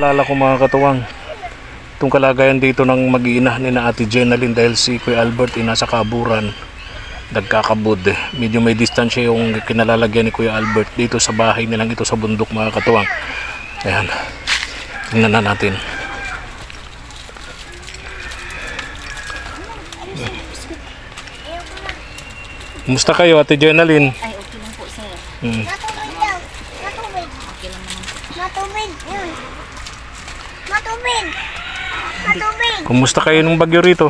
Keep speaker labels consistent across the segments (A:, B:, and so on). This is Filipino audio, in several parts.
A: Naalala ko mga katuwang, itong kalagayan dito ng mag-iina ni na Ate Jenalyn dahil si Kuya Albert nasa kaburan, nagkakabud. Medyo may distansya yung kinalalagyan ni Kuya Albert dito sa bahay nilang ito sa bundok mga katuwang. Ayan, tingnan na natin. Kumusta kayo Ate Jenalyn?
B: Ay, okay lang po, sir.
C: Matubig daw. Matubig.
B: Okay lang naman po.
C: Matubig. Yun. Matubig. Matubig.
A: Kumusta kayo nung bagyo rito?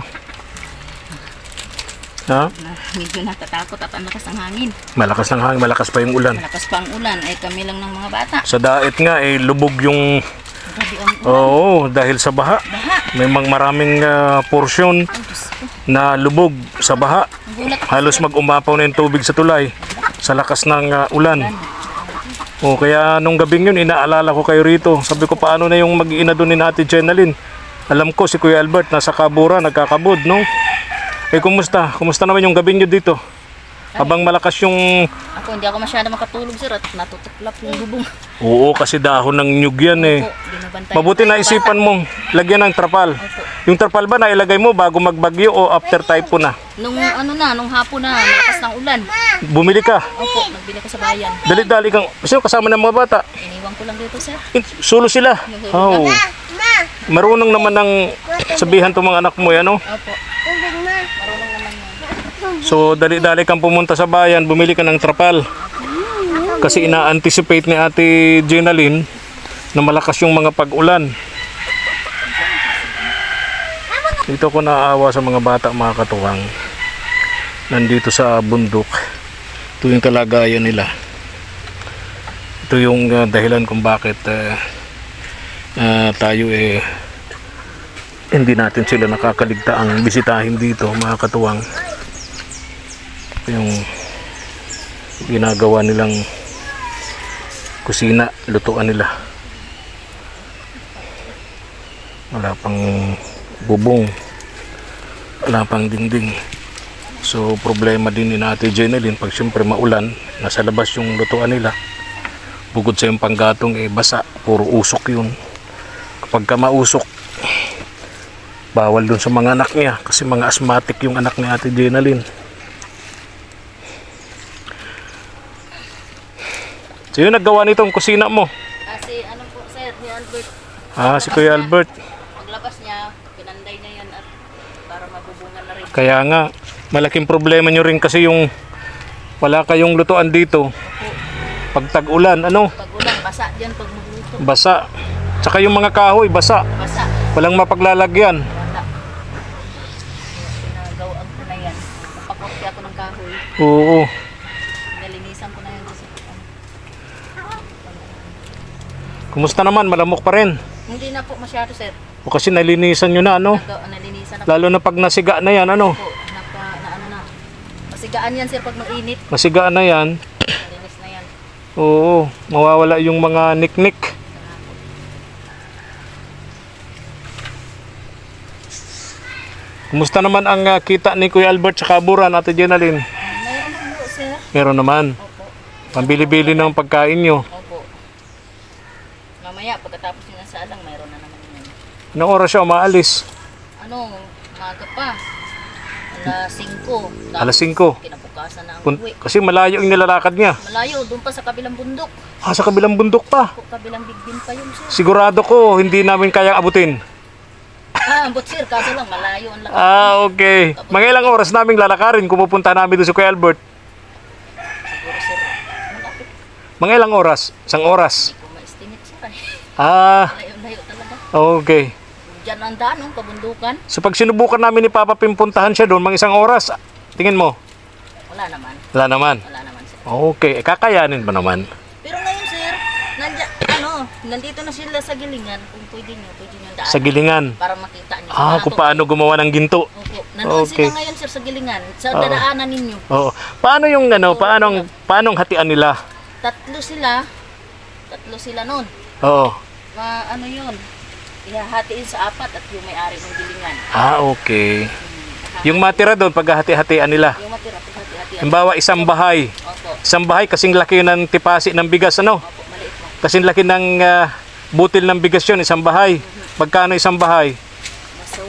A: Ha?
B: Medyo natatakot at ang lakas ng hangin.
A: Malakas ng hangin, malakas pa yung ulan.
B: Malakas pa ang ulan. Ay, kami lang ng mga bata.
A: Sa daet nga lubog yung
B: Grabe ang ulan.
A: oo, dahil sa baha.
B: Baha.
A: May maraming porsyon
B: Ay, Diyos ko.
A: na lubog sa baha.
B: Nagulat ako.
A: Halos mag-umapaw na yung tubig sa tulay sa lakas ng ulan. O kaya nung gabing yun, inaalala ko kayo rito. Sabi ko paano na yung mag-iina doon ni Ate Jenalyn. Alam ko si Kuya Albert nasa kabura, nagkakabud, no? Kumusta? Kumusta naman yung gabing nyo dito? Habang malakas yung...
B: Ako, hindi ako masyado makatulog, sir. At natutuklap yung bubong.
A: Oo, kasi dahon ng nyug yan
B: Opo, binabantay.
A: Mabuti na isipan mong lagyan ng trapal.
B: Opo.
A: Yung trapal ba nailagay mo bago magbagyo o after typhoon na?
B: Nung nung hapon na, malakas ng ulan.
A: Bumili ka.
B: Opo, nagbili ko sa bayan.
A: Dali-dali kang... Sino kasama ng mga bata?
B: Iniwan ko lang dito, sir.
A: Solo sila. Oh.
C: Ma.
A: Marunong naman ng sabihan itong mga anak mo yan, no?
B: Opo.
C: Tubig ma.
B: Marunong naman yan.
A: So, dali-dali kang pumunta sa bayan, bumili ka ng trapal. Kasi ina-anticipate ni Ate Jenalyn na malakas yung mga pag-ulan. Dito ko naawa sa mga bata, mga katuwang. Nandito sa bundok. Ito yung kalagayan nila. Ito yung dahilan kung bakit tayo hindi natin sila nakakaligtaang bisitahin dito, mga katuwang. Ito yung ginagawa nilang kusina, lutuan nila. Wala pang bubong, wala pang dingding. So problema din ni Ate Jenalyn pag siyempre maulan, nasa labas yung lutuan nila. Bukod sa yung panggatong basa, puro usok yun. Kapag ka mausok, bawal dun sa mga anak niya kasi mga asthmatic yung anak ni Ate Jenalyn. So yun naggawa nitong kusina mo?
B: Kasi ano po, sir, ni Albert.
A: Si Kuya Albert.
B: Paglabas niya, pinanday niya yan at para mabubungan na rin.
A: Kaya nga, malaking problema nyo rin kasi yung wala kayong lutuan dito. Pag tag-ulan, ano?
B: Pag ulan, basa dyan pag magluto.
A: Basa. Tsaka yung mga kahoy, basa.
B: Basa.
A: Walang mapaglalagyan.
B: Wala. Pinagawaan ko na yan. Napakorte ako ng kahoy.
A: Oo.
B: Nalinisan ko na yan kasi.
A: Kumusta naman? Malamok pa rin.
B: Hindi na po masyado, sir.
A: O kasi nalinisan nyo na, ano?
B: Nalinisan na
A: Lalo na pag nasiga na yan, ano?
B: po. Masigaan yan, sir, pag mainit.
A: Masigaan na yan.
B: Nalinis na yan.
A: Oo. Mawawala yung mga niknik. Kumusta naman ang kita ni Kuya Albert sa kaburan, Ate Jenalyn?
B: Mayroon po, sir.
A: Meron naman.
B: Opo.
A: Pambili-bili ng pagkain nyo.
B: Opo. Mamaya, pagkatapos nyo sa alang, mayroon na naman yan.
A: Anong oras siya umaalis?
B: Umaga pa. Alas 5.
A: Alas 5.
B: Kinabukasan na ang uwi.
A: Kasi malayo yung nilalakad niya.
B: Malayo, doon pa sa kabilang bundok.
A: Sa kabilang bundok pa.
B: Kabilang bigbin pa yun, sir.
A: Sigurado ko, hindi namin kayang abutin.
B: Ambot, sir, kaso lang, malayo ang lakad.
A: Okay. Mga ilang oras naming lalakarin kung pupunta namin doon sa Kuya Albert?
B: Siguro, sir, malapit.
A: Mga ilang oras? Isang oras?
B: Hindi ko ma-estimate, sir. Layo-layo talaga.
A: Okay.
B: Diyan ang daan, kabundukan.
A: So pag sinubukan namin ni Papa pimpuntahan siya doon, mga isang oras, tingin mo?
B: Wala naman.
A: Wala naman.
B: Wala naman, sir.
A: Okay. Kakayanin ba naman?
B: Pero ngayon, sir, nandito na sila sa gilingan. Kung pwede nyo daan.
A: Sa gilingan?
B: Para makita nyo.
A: Kung paano gumawa ng ginto.
B: Opo. Nandun
A: Okay.
B: sila ngayon, sir, sa gilingan. Sa dadaanan ninyo.
A: Oo. Paano yung paano hatian nila?
B: Tatlo sila nun.
A: Oo.
B: Ano yun? Ihahatiin sa apat at yung may-ari ng gilingan.
A: Okay. Yung matira doon, paghahati-hatian nila.
B: Yung matira, paghati-hatian.
A: Halimbawa, isang bahay.
B: Opo.
A: Isang bahay kasing laki ng tipasi ng bigas, ano?
B: Opo, maliit lang.
A: Kasing laki ng butil ng bigas yun, isang bahay. Magkano isang bahay?
B: Nasa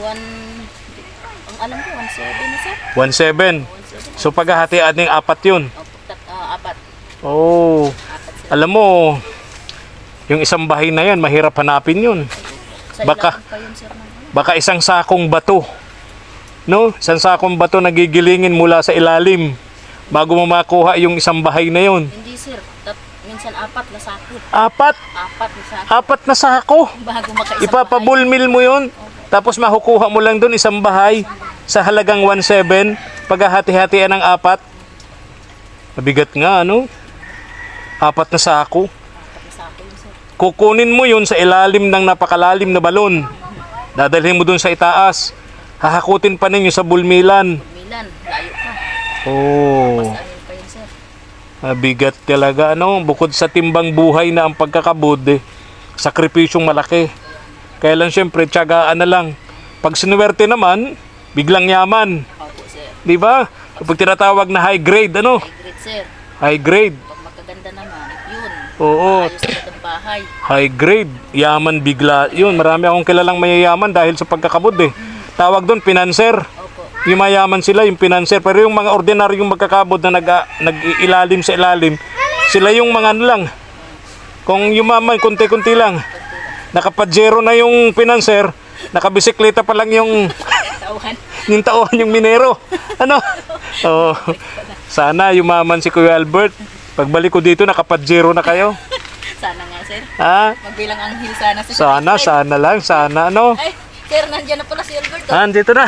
B: ang alam ko, 1.7 na sir.
A: 1.7. So paghahatian ng apat yun.
B: Opo, apat.
A: Oh,
B: Apat sir.
A: alam mo, yung isang bahay na yan, mahirap hanapin yun.
B: Sa
A: Baka-
B: ilalim pa yun sir.
A: Baka isang sakong bato. No? Isang sakong bato nagigilingin mula sa ilalim bago mo makuha yung isang bahay na yun.
B: Hindi sir. Minsan apat na sako.
A: Apat
B: Apat na sako.
A: na sako.
B: Bago makaisang
A: Ipapabulmil mo yun. Tapos makukuha mo lang doon isang bahay sa halagang 1.7. Paghahati-hatian ng apat. Mabigat nga, ano? Apat na sako.
B: Apat na sako yun sir.
A: Kukunin mo yun sa ilalim ng napakalalim na balon. Dadalhin mo doon sa itaas. Hahakutin pa ninyo sa bulmilan.
B: Milan, layo pa.
A: Oh,
B: Mas anin pa yun sir.
A: mabigat talaga, ano? Bukod sa timbang buhay na ang pagkakabud, sakripisyong malaki. Kaya lang syempre, tiyagaan na lang. Pag sinuwerte naman, biglang yaman.
B: Opo sir.
A: Di ba? Kapag tinatawag na high grade, ano?
B: High grade sir.
A: High grade.
B: Pag magkaganda naman, yun.
A: Oo,
B: Ayos agad ang bahay.
A: high grade. Yaman bigla. Yun, marami akong kilalang mayayaman dahil sa pagkakabud Tawag doon, pinanser.
B: Opo.
A: Yung mayaman sila, yung pinanser. Pero yung mga ordinaryong magkakabod na nag-ilalim sa ilalim, sila yung mga ano lang. Kung yumaman, kunti-kunti lang. Nakapadzero na yung pinanser, nakabisikleta pa lang yung
B: Tauhan.
A: yung tauhan yung minero. Ano? Oh, sana yumaman si Kuya Albert. Pagbalik ko dito, nakapadzero na kayo.
B: Sana nga sir.
A: Ha?
B: Magbilang anghel sana si
A: Sana lang, sana ano.
B: Ay, sir, nandiyan na pala si Albert.
A: Ah, andito na.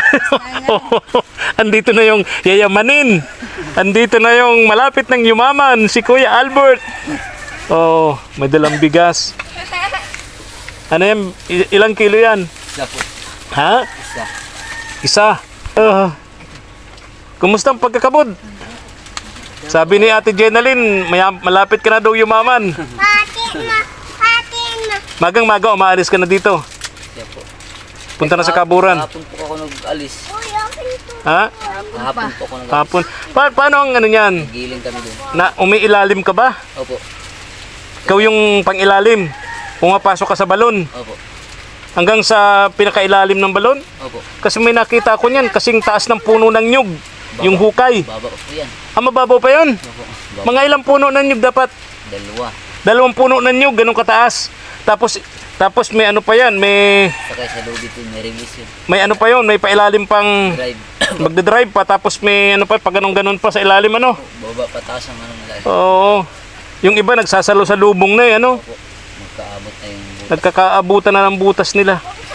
A: Andito na yung yayamanin. Andito na yung malapit ng yumaman, si Kuya Albert. Oh, may dalang bigas. Ano yan? Ilang kilo yan?
D: Isa po.
A: Ha?
D: Isa.
A: Isa. Kumusta ang pagkakabod? Sabi ni Ate Jenaline, malapit ka na daw yumaman.
C: Pati na.
A: Magang-maga, umaalis ka na dito.
D: Siya po.
A: Punta na sa kaburan.
D: Hapon po ako nag-alis.
C: Uy, okay ito.
A: Ha?
D: Hapon po ako nag-alis.
A: Hapon. Paano ang ano yan?
D: Giling kami doon.
A: Na umiilalim ka ba?
D: Opo.
A: Ikaw yung pangilalim. Pumapasok ka sa balon.
D: Opo.
A: Hanggang sa pinakailalim ng balon.
D: Opo.
A: Kasi may nakita ko niyan, kasing taas ng puno ng nyug. Yung hukay.
D: Baba po yan.
A: Ah, mababaw pa yun?
D: Opo. Baba.
A: Mga ilang puno ng nyug dapat?
D: Dalawa.
A: 2 puno ng nyug, ganun kataas. Tapos may ano pa yan, may
D: Sakay sa lobby po, may release yun.
A: ano pa yon, may pailalim pang
D: Drive.
A: magdadrive pa, tapos may ano pa, pag ganun pa sa ilalim ano.
D: Baba pataas ang ano nila.
A: Oo. Yung iba nagsasalo sa lubong na eh, ano.
D: Opo. Magkaabot na yung butas.
A: Nagkakaabutan na ng butas nila.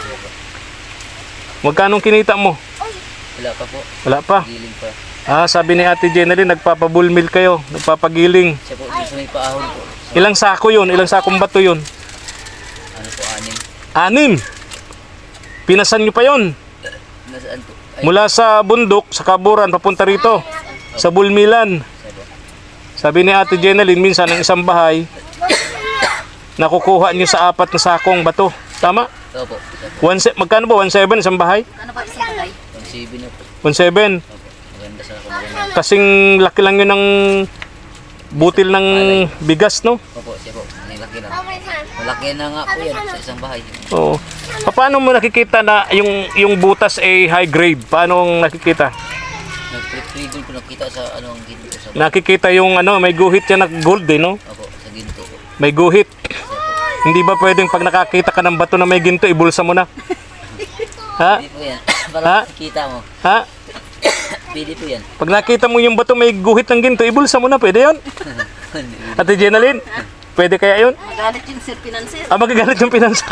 A: Magkano kinita mo?
D: Wala pa po.
A: Wala pa.
D: Giling pa.
A: Ah, sabi ni Ate Jenaline, nagpapabulmil kayo, nagpapagiling.
D: Siya po, gusto may paahon po.
A: Ilang sako yun? Ilang sakong bato yun?
D: Ano po,
A: 6.
D: anim.
A: Pinasan nyo pa yun.
D: Nasaan po? Ay,
A: Mula sa bundok, sa kaburan, papunta rito. Sa bulmilan.
D: siya po.
A: Sabi ni Ate Jenaline, minsan ang isang bahay, nakukuha nyo sa 4 na sakong bato. Tama?
D: Opo. Siya po.
A: Magkano ba? 1.7 isang bahay?
B: Ano ba isang bagay?
D: 1.7 na po.
A: 1.7.
D: Opo. Maganda sa maganda.
A: Kasing laki lang yun ng butil ng bigas, no?
D: Opo, siya po. Malaki na. Malaki na nga po yan sa isang bahay.
A: Oo. Paano mo nakikita na yung butas ay high grade? Paano ang nakikita?
D: Nag-pre-doon po nakita sa ano ang ginto sa bahay.
A: Nakikita yung ano, may guhit yan na gold eh, no?
D: Opo, sa ginto po.
A: May guhit. Hindi ba pwedeng pag nakakita ka ng bato na may ginto, ibulsa mo na? Ha?
D: Pwede po yan.
A: Ha?
D: Para makikita mo.
A: Ha?
D: Pwede po yan.
A: Pag nakita mo yung bato may guhit ng ginto, ibulsa mo na, pwede yun? Ate Jenaline, pwede kaya yun?
B: Magalit yung sir pinanser.
A: Ah, magagalit yung pinansa.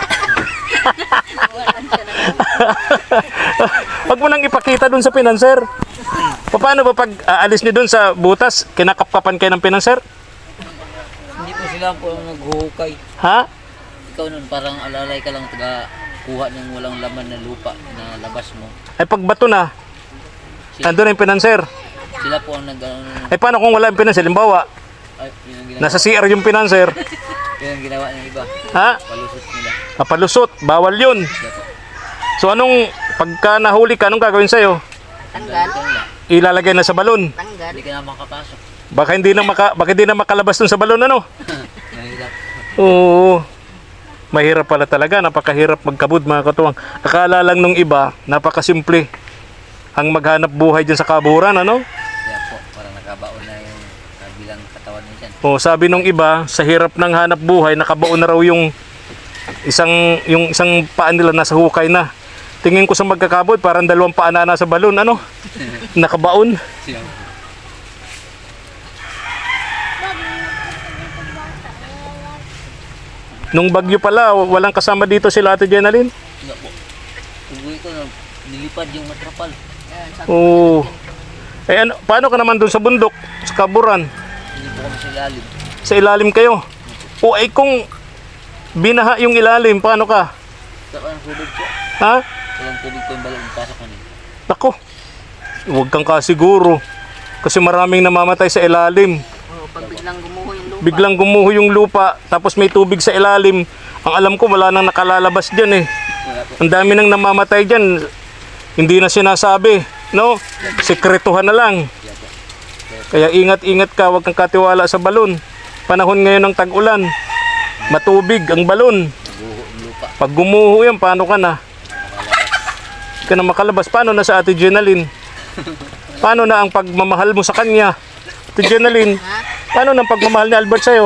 A: Wag mo nang ipakita dun sa pinanser. Paano ba pag aalis niyo dun sa butas, kinakapkapan kayo ng pinanser?
D: Hindi po sila po ang naghuhukay.
A: Ha?
D: Ikaw nun parang alalay ka lang taga kuha ng walang laman na lupa na labas mo.
A: Ay pag bato na, nandun na yung pinanser.
D: Sila po ang
A: Ay paano kung wala yung pinanser? Limbawa,
D: ay, yun ang ginawa,
A: nasa CR yung pinanser.
D: yun ang ginawa ng iba.
A: Ha?
D: Palusot nila.
A: Papalusot, bawal yun.
D: Sila po.
A: So anong, pagka nahuli ka, anong gagawin sa'yo?
B: Tanggal.
D: Ikaw lang.
A: Ilalagay na sa balon.
B: Tanggal.
D: Hindi ka na makapasok.
A: Baka hindi na makalabas dun sa balon, ano?
D: Mahirap.
A: Oo. Mahirap pala talaga, napakahirap magkabud mga katuwang. Akala lang nung iba, napakasimple ang maghanap buhay dyan sa kaburan, ano?
D: Kaya po, parang nakabaon na yung kabilang katawan mo dyan.
A: O sabi nung iba, sa hirap ng hanap buhay, nakabaon na raw yung isang paa nila nasa hukay na. Tingin ko sa magkakabod, parang 2 paa na nasa balon, ano? Nakabaon.
D: Siya po.
A: Nung bagyo pala, walang kasama dito sila Ate Jenalyn.
D: Nga po. Uwi ko na nilipad yung matrapal.
A: Oo. Eh ano, paano ka naman dun sa bundok, sa kaburan?
D: Hindi po kami sa ilalim.
A: Sa ilalim kayo? O ay kung binaha yung ilalim, paano ka?
D: Saka ang tubig po.
A: Ha?
D: Walang tubig po yung balon. Pasok kanina.
A: Nako, huwag kang kasiguro. Kasi maraming namamatay sa ilalim.
B: Pag biglang gumuho yung lupa.
A: Biglang gumuho yung lupa, tapos may tubig sa ilalim. Ang alam ko, wala nang nakalalabas dyan eh.
D: Wala po.
A: Ang dami nang namamatay dyan. Hindi na sinasabi, no? Sekretuhan na lang.
D: Kaya po.
A: Kaya ingat-ingat ka, huwag kang katiwala sa balon. Panahon ngayon ng tag-ulan. Matubig ang balon.
D: Nabuho yung lupa.
A: Pag gumuho yan, paano ka na? Hindi ka na makalabas. Paano na sa Ate Jenalyn? Paano na ang pagmamahal mo sa kanya? Ate Jenalyn, paano na ang pagmamahal ni Albert sa'yo?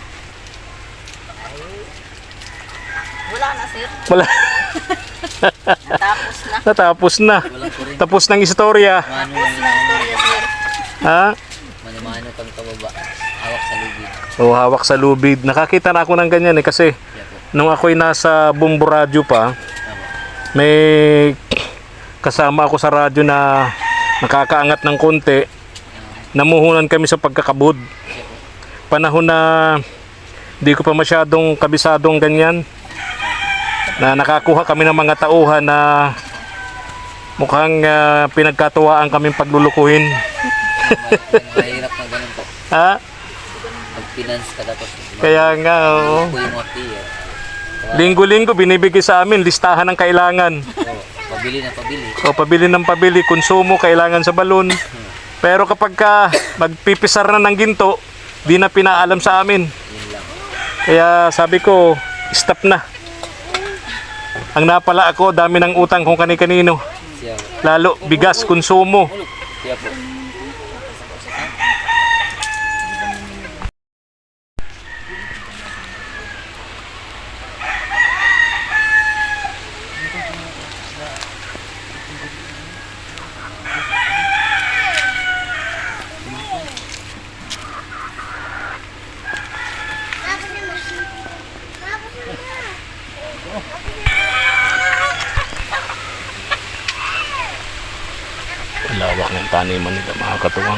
B: Wala na, sir.
A: Wala.
B: Natapos na.
A: Natapos na.
D: Walang kurin.
A: Tapos ng istorya.
D: Mano
B: Tapos
D: lang
B: na ang storya, sir.
A: Ha?
D: Mano kang kababa. Hawak sa lubid.
A: O, hawak sa lubid. Nakakita na ako ng ganyan eh. Kasi
D: Kaya po.
A: nung ako'y nasa Bumbu Radio pa,
D: Tama.
A: may kasama ako sa radyo na nakakaangat ng konti. Namuhunan kami sa pagkakabud. Panahon na di ko pa masyadong kabisadong ganyan. Na nakakuha kami ng mga tauhan na mukhang pinagkatuwaan kaming paglulukuhin.
D: Mahirap na ganun po.
A: Ha?
D: Mag-finance ka tapos.
A: Kaya nga, oo.
D: Po yung orti eh.
A: Linggo-linggo binibigay sa amin listahan ng kailangan.
D: Oo, pabili na pabili.
A: O pabili ng pabili, konsumo, kailangan sa balon. Pero kapag ka magpipisar na ng ginto, di na pinaalam sa amin.
D: Yun lang.
A: Kaya sabi ko, stop na. Ang napala ako, dami ng utang kung kani-kanino.
D: Siya.
A: Lalo, bigas, konsumo.
D: Siya po.
A: Lawak ng taniman nila mga katuwang.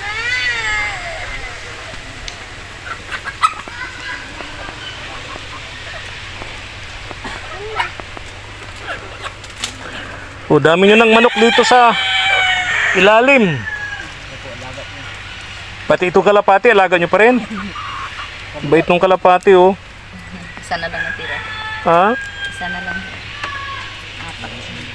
A: O dami nyo ng manok dito sa ilalim. Pati itong kalapati, alaga nyo pa rin. Bait nung kalapati oh.
B: Isa na lang natira.
A: Ha?
B: Isa na lang. Apat.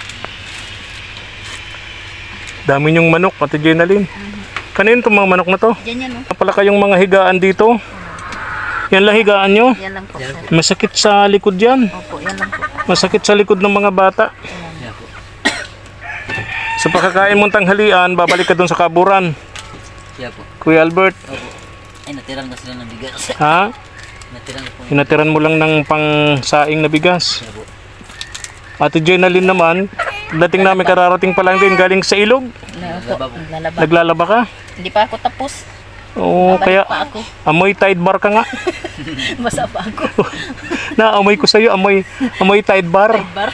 A: Dami nyong manok, Ate Jenalyn. Kanino itong mga manok na to?
B: Yan yan, oh.
A: Pala kayong mga higaan dito. Yan lang higaan nyo.
B: Yan lang po, sir.
A: Masakit sa likod yan.
B: Opo, yan lang po.
A: Masakit sa likod ng mga bata.
D: Siya po.
A: Sa pagkakain mong tanghalian, babalik ka dun sa kaburan.
D: Siya po.
A: Kuya Albert,
D: Opo. Ay, natiran na sila ng bigas.
A: ha?
D: Natiran po.
A: Hinatiran mo lang ng pang-saing na bigas.
D: Siya po.
A: Ate Jenalyn naman, dating namin kararating pa lang din galing sa ilog.
B: Opo, naglalaba.
A: Naglalaba ka?
B: Hindi pa ako tapos.
A: Oo,
B: Babalik
A: kaya
B: pa ako.
A: amoy Tide Bar ka nga.
B: Basa pa ako.
A: Naamoy ko sa'yo, amoy Tide Bar.
B: Bar.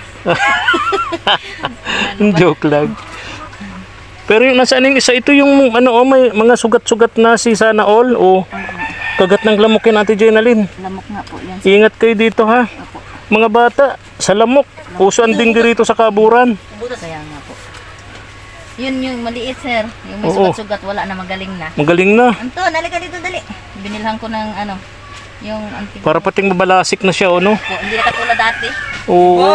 A: Joke lang. Pero yung nasaan yung isa, ito yung ano, oh, may mga sugat-sugat na si Sana All o kagat ng lamok yan Ate Jenalyn.
B: Lamok nga po yan.
A: Ingat kayo dito ha.
B: Opo.
A: Mga bata, sa lamok. Uso ang dinggi rito sa kaburan.
B: Kaya nga po. Yun yung maliit, sir. Yung may
A: Oo.
B: sugat-sugat, wala na, magaling na.
A: Magaling na.
B: Anton, halika dito, dali. Binilhan ko ng ano, yung anting.
A: Para pating mabalasik na siya, ano?
B: Po, hindi na katulad dati.
A: Oo.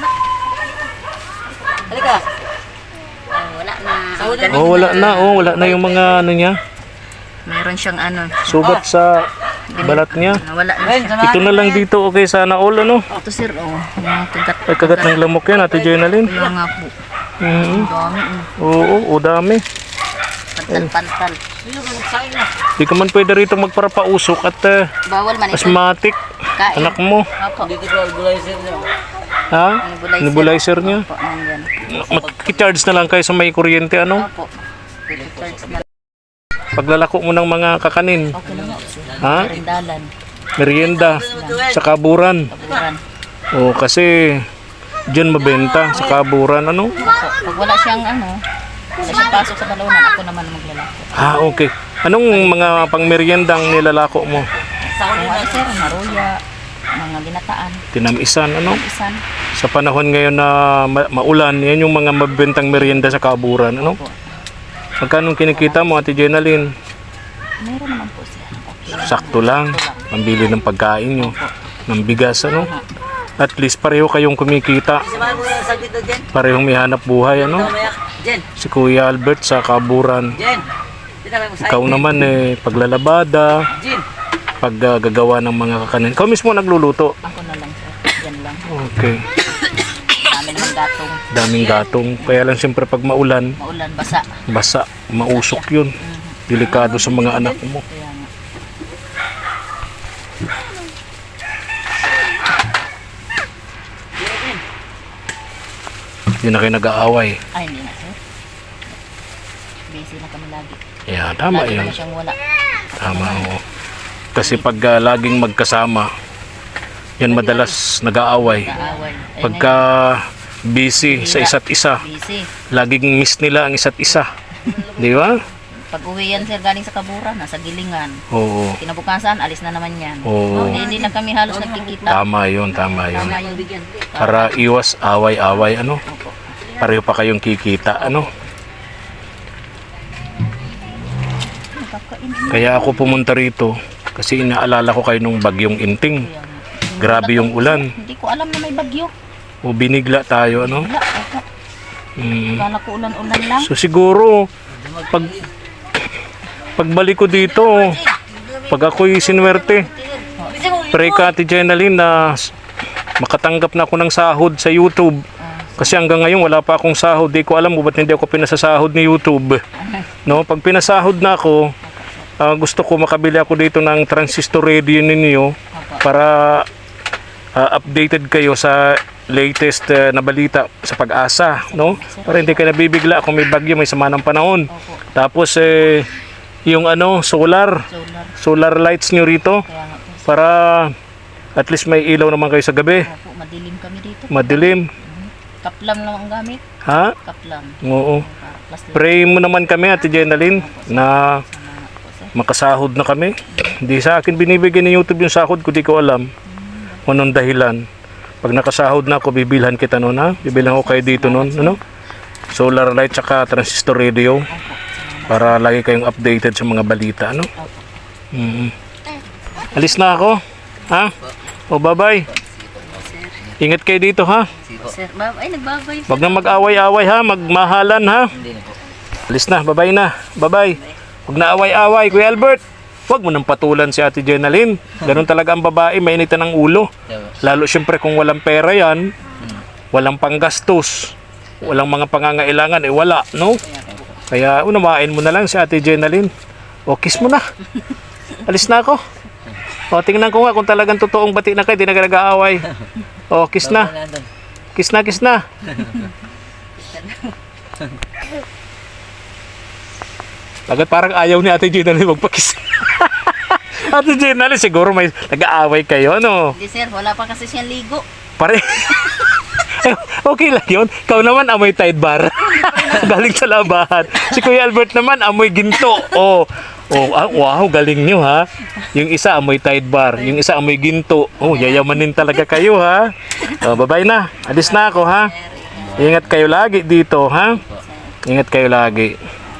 B: Halika. Wala na. Magaling
A: Oh, wala na yung mga ano niya.
B: Meron siyang ano.
A: Sugat sa balat niya.
B: Nawala na siya.
A: Ito na lang dito, okay, sana all, ano?
B: Ito sir, mga kagat.
A: Ay, kagat ng lamok yan, Ate Jenalyn.
B: Kaya nga po.
A: Mhm.
B: Dami.
A: Oo, dami.
B: Pantal-pantal.
A: Di ka man pwede rito magparapausok at
B: Bawal man ito.
A: asthmatic.
B: Kain.
A: Anak mo.
B: Opo.
D: Dito ko albulizer niya.
A: Ha? Nebulizer niya.
B: Opo, nandyan.
A: Mag-charge na lang kayo sa may kuryente, ano?
B: Opo. Charge na.
A: Paglalako mo ng mga kakanin.
B: Okay na nga.
A: Ha?
B: Rindalan.
A: Merienda. Sa kaburan.
B: Kaburan.
A: O, kasi dyan mabenta sa kaburan, ano?
B: Opo. Pag wala siyang wala siyang pasok sa balunan, ako naman ang maglalako.
A: Ah, okay. Anong mga pangmeryendang nilalako mo?
B: Kung sir, maruya, mga ginataan,
A: Tinamisan, ano?
B: isan.
A: Sa panahon ngayon na maulan, yan yung mga mabentang merienda sa kaburan, ano?
B: Opo.
A: Magkano kinikita mo, Ate Jenalyn?
B: Mayroon naman po siya. Okay.
A: Sakto lang. Pambili ng pagkain nyo. Ng bigas, ano? At least pareho kayong kumikita.
D: Samahan mo yung saglit na Jen.
A: Parehong may hanap buhay, ano?
D: Mamaya. Jen.
A: Si Kuya Albert sa kaburan.
D: Jen. Dito kayo sa
A: Ikaw naman paglalabada,
D: Jen.
A: paggagawa ng mga kakanin. Ikaw mismo nagluluto.
B: Ako na lang sir. Yan lang.
A: Okay.
B: Dami naman gatong.
A: Daming gatong. Kaya lang siyempre pag maulan,
B: Maulan, basa.
A: basa, mausok yun. Delikado sa mga anak mo.
B: Kaya nga.
A: Hindi na kayo nag-aaway.
B: Ay, hindi na sir. Busy na kami lagi.
A: Yeah, tama
B: Lagi
A: yun.
B: naman siyang wala.
A: Tama oo. Kasi pag laging magkasama, yan madalas nag-aaway.
B: Kaaway. Ay,
A: Pagka busy sa isa't isa,
B: busy.
A: laging miss nila ang isa't isa. Di ba?
B: Pag uwi yan sir, galing sa kaburan, nasa gilingan.
A: Oo.
B: Kinabukasan, alis na naman yan.
A: Oo.
B: Hindi na kami halos nagkikita.
A: Tama yun, tama yun.
B: Tama yung bigyan.
A: Para iwas away-away, ano?
B: Opo.
A: Pareho pa kayong kikita, ano? Kaya ako pumunta rito kasi inaalala ko kayo nung bagyong Inting. Grabe yung ulan.
B: Hindi ko alam na may bagyo.
A: O binigla tayo, ano?
B: Wala, opo. Kala ko ulan-ulan lang.
A: So siguro, pagbalik ko dito, pag ako'y sinwerte, pray ka, Ate Jenalyn, na makatanggap na ako ng sahod sa YouTube. Kasi hanggang ngayon wala pa akong sahod. Di ko alam kung ba't hindi ako pinasasahod ni YouTube. No? Pag pinasahod na ako, gusto ko makabili ako dito ng transistor radio ninyo para updated kayo sa latest na balita sa Pag-asa, no? Para hindi kayo nabibigla kung may bagyo, may sama ng panahon. Tapos yung solar lights nyo rito
B: Kaya nga po.
A: para at least may ilaw naman kayo sa gabi.
B: Opo, madilim kami dito.
A: Madilim.
B: Kaplam lang ang gamit.
A: Ha?
B: Kaplam.
A: Oo.
B: Plastic.
A: Pray mo naman kami, Ate Jenalyn, na makasahod na kami. Hindi sa akin binibigyan ni YouTube yung sahod ko, di ko alam kung anong dahilan. Pag nakasahod na ako, bibilhan kita noon, ha? Bibilhan ko kayo dito noon, ano? Solar light tsaka transistor radio para lagi kayong updated sa mga balita, ano? Alis na ako, ha? O, bye-bye. Ingat kayo dito, ha?
B: Sir, ay nagbabay.
A: Wag na mag-away-away, ha? Magmahalan, ha?
D: Hindi na po.
A: Alis na, bye-bye na. Bye-bye. Huwag na away-away, Kuya Albert. Huwag mo nang patulan si Ate Jenalyn. Ganun talaga ang babae, mainitan ng ulo. Lalo siyempre kung walang pera yan, walang panggastos, walang mga pangangailangan, wala, no? Kaya unawain mo na lang si Ate Jenalyn. O, kiss mo na. Alis na ako. O, tingnan ko nga kung talagang totoong bati na kayo, di na kayo nag-aaway. O, kiss na. Kiss na, kiss na. Agad parang ayaw ni Ate Jenalyn magpakiss. Ate Jenalyn, siguro may nag-aaway kayo, ano?
B: Hindi sir, wala pa kasi siyang ligo.
A: Pare. Okay lang yun. Ikaw naman amoy Tide Bar. Galing sa labahan. Si Kuya Albert naman amoy ginto. Wow, galing nyo ha. Yung isa amoy Tide Bar, yung isa amoy ginto. Yayamanin talaga kayo ha. Bye-bye na. Alis na ako ha. Ingat kayo lagi dito ha. Ingat kayo lagi.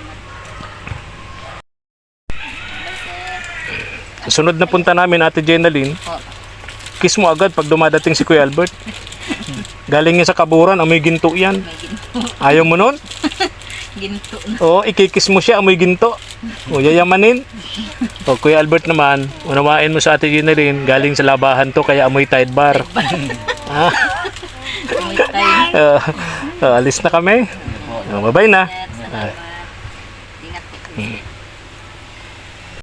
A: Sunod na punta namin, Ate Jenalyn. Kiss mo agad pag dumadating si Kuya Albert. Galing niya sa kaburan, amoy ginto yan. Ayaw mo nun?
B: Ginto na.
A: Oo, ikikiss mo siya, amoy ginto. Yayamanin. O Kuya Albert naman, unawain mo sa Ate Jeneline, galing sa labahan to kaya amoy Tide Bar. Ah,
B: May time.
A: alis na kami. Bye-bye na.
B: Salamat. Ingat.